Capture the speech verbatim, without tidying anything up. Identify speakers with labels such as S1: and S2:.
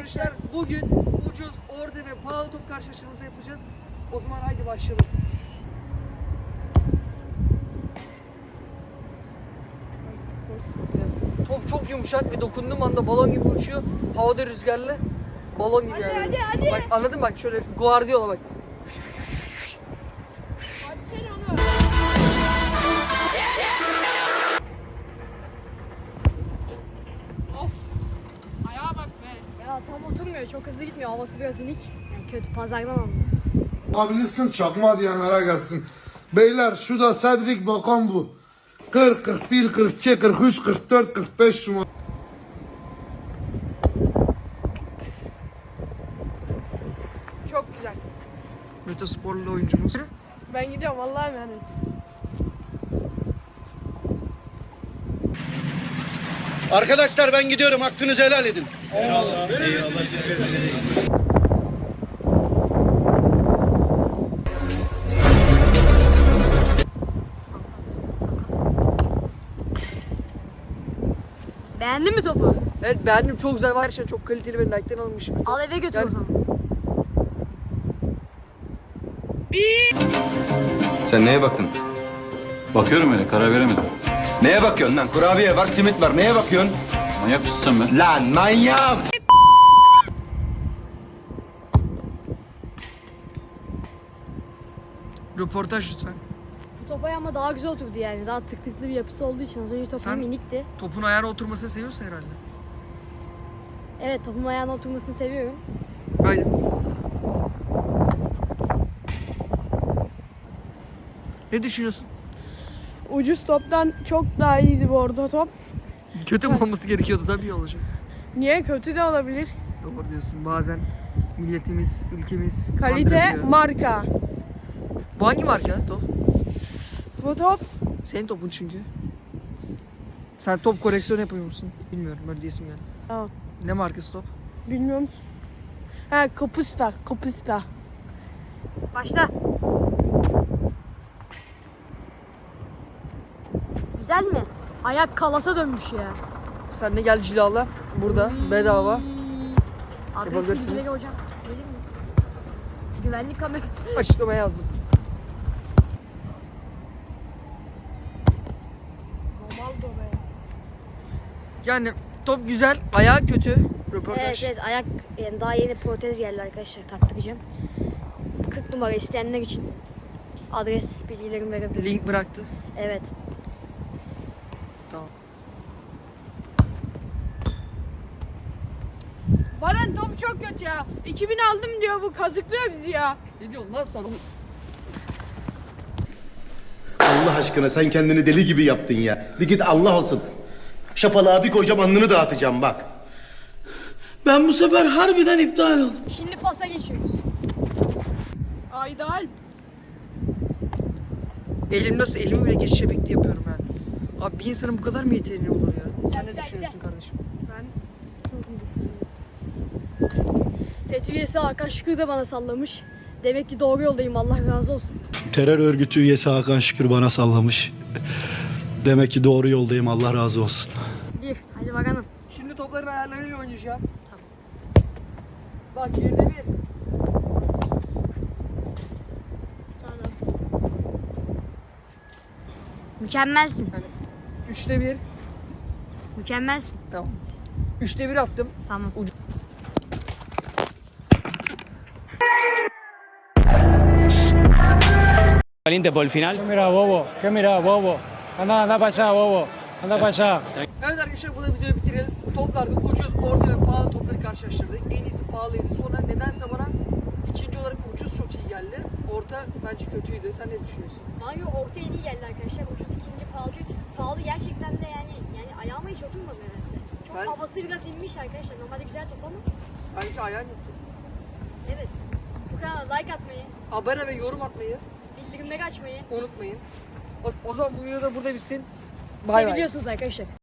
S1: arkadaşlar bugün ucuz, orta ve pahalı top karşılaştırması yapacağız. O zaman haydi başlayalım. Top çok yumuşak ve dokunduğum anda balon gibi uçuyor. Havada rüzgarlı. Balon gibi
S2: Hadi,
S1: yani.
S2: hadi, hadi.
S1: Bak anladın mı? Bak şöyle Guardiola bak.
S2: Hadi sen onu. Of. Ayağa bak be.
S3: Ya tam oturmuyor, çok hızlı gitmiyor. Havası biraz inik. Yani kötü, pazardan aldım.
S4: Abilirsin çakma diyenlere gelsin. Beyler şu da Cedric Bakan bu. kırk, kırk bir, kırk iki, kırk üç, kırk dört, kırk beş numara.
S2: Çok güzel.
S1: Metosporlu oyuncumuz.
S2: Ben gidiyorum Allah'a emanet.
S5: Arkadaşlar ben gidiyorum. Hakkınızı helal edin.
S3: Beğendin mi topu?
S1: Evet beğendim, çok güzel var, şey çok kaliteli ve Nike'den alınmış bir top.
S3: Al eve götür
S1: Yani-
S3: o zaman.
S6: Sen neye baktın? Bakıyorum öyle, karar veremedim. Neye bakıyorsun lan? Kurabiye var, simit var. Neye bakıyorsun? Manyak mısın sen be? Lan manyak!
S1: Röportaj lütfen.
S3: Bu top ama daha güzel oturdu yani. Daha tık tıklı bir yapısı olduğu için az önce top
S1: Sen-
S3: hem minikti.
S1: Topun ayağına oturmasını seviyorsun herhalde.
S3: Evet, topun ayağına oturmasını seviyorum.
S1: Aynen. Ne düşünüyorsun?
S2: Ucuz toptan çok daha iyiydi bu orta top.
S1: Kötü mü olması gerekiyordu, tabii iyi olacak.
S2: Niye? Kötü de olabilir.
S1: Doğru diyorsun. Bazen milletimiz, ülkemiz
S2: Kalite,
S1: kandırabiliyor.
S2: marka.
S1: Bu hangi marka top?
S2: Bu top
S1: Senin topun çünkü. Sen top koleksiyonu yapıyor musun? Bilmiyorum, öyle diyesim geldi.
S2: Tamam.
S1: Ne markası top?
S2: bilmiyorum ki. Ha, Kapusta, Kapusta.
S3: Başla. Güzel mi? Ayak kalasa dönmüş ya.
S1: Sen de gel cilala. Burada bedava.
S3: Adres
S1: Yapabilirsiniz.
S3: bilgileri hocam. Verir mi? Güvenlik kamerası.
S1: Açıklamaya yazdım.
S2: Ronaldo be.
S1: Yani top güzel, ayağı kötü. Röportaj.
S3: Evet, evet, ayak yani daha yeni protez geldi arkadaşlar, taktıracağım. kırk numara isteyenler için adres bilgilerimi verebilirim.
S1: Link bıraktı.
S3: Evet.
S1: Tamam.
S2: Baran top çok kötü ya. iki bin aldım diyor, bu kazıklıyor bizi ya.
S1: Ne diyorsun lan sen?
S5: Allah aşkına sen kendini deli gibi yaptın ya. Bir git Allah olsun. Şapalığa bir koyacağım, alnını dağıtacağım bak.
S7: Ben bu sefer harbiden iptal oldum.
S3: Şimdi pasa geçiyoruz.
S2: Aydal.
S1: Elim nasıl? Elimi bile geçiş efekti yapıyorum ben. Abi bir insanın bu kadar mı yeteneği olur ya? Sen ne
S3: güzel,
S1: düşünüyorsun kardeşim?
S2: Ben
S3: FETÖ üyesi Hakan Şükür de bana sallamış. Demek ki doğru yoldayım, Allah razı olsun.
S8: Terör örgütü üyesi Hakan Şükür bana sallamış. Demek ki doğru yoldayım, Allah razı olsun.
S3: Bir, hadi bakalım.
S1: Şimdi topların ayarlarıyla oynayacağım.
S3: Tamam.
S1: Bak birde bir.
S3: Mükemmelsin,
S1: Yani üçte bir.
S3: mükemmelsin.
S1: Tamam. Üçte bir attım.
S3: Tamam.
S9: Valiente por el final.
S7: Mira bobo, ¿qué mira bobo? Anda, anda para allá bobo, anda para allá.
S1: Evet arkadaşlar, burada videoyu bitirelim. Toplarda ucuz, orta ve pahalı topları karşılaştırdık. En iyisi pahalıydı. Sonra nedense bana ikinci olarak ucuz çok iyi geldi. Orta bence kötüydü. Sen ne düşünüyorsun?
S3: Bana orta en iyi geldi arkadaşlar. Ucuz ikinci, pahalı. Pahalı gerçekten de yani yani ayağıma hiç oturmadı nedense. Çok
S1: Ben-
S3: havası biraz inmiş arkadaşlar. Normalde güzel top ama.
S1: Bence ayağın yoktu.
S3: Evet. Bu kanala like atmayı,
S1: Abone ve yorum atmayı
S3: bildirimleri açmayı
S1: unutmayın. O, o zaman bu video da burada bitsin. Bay bay.
S3: seviyorsunuz arkadaşlar.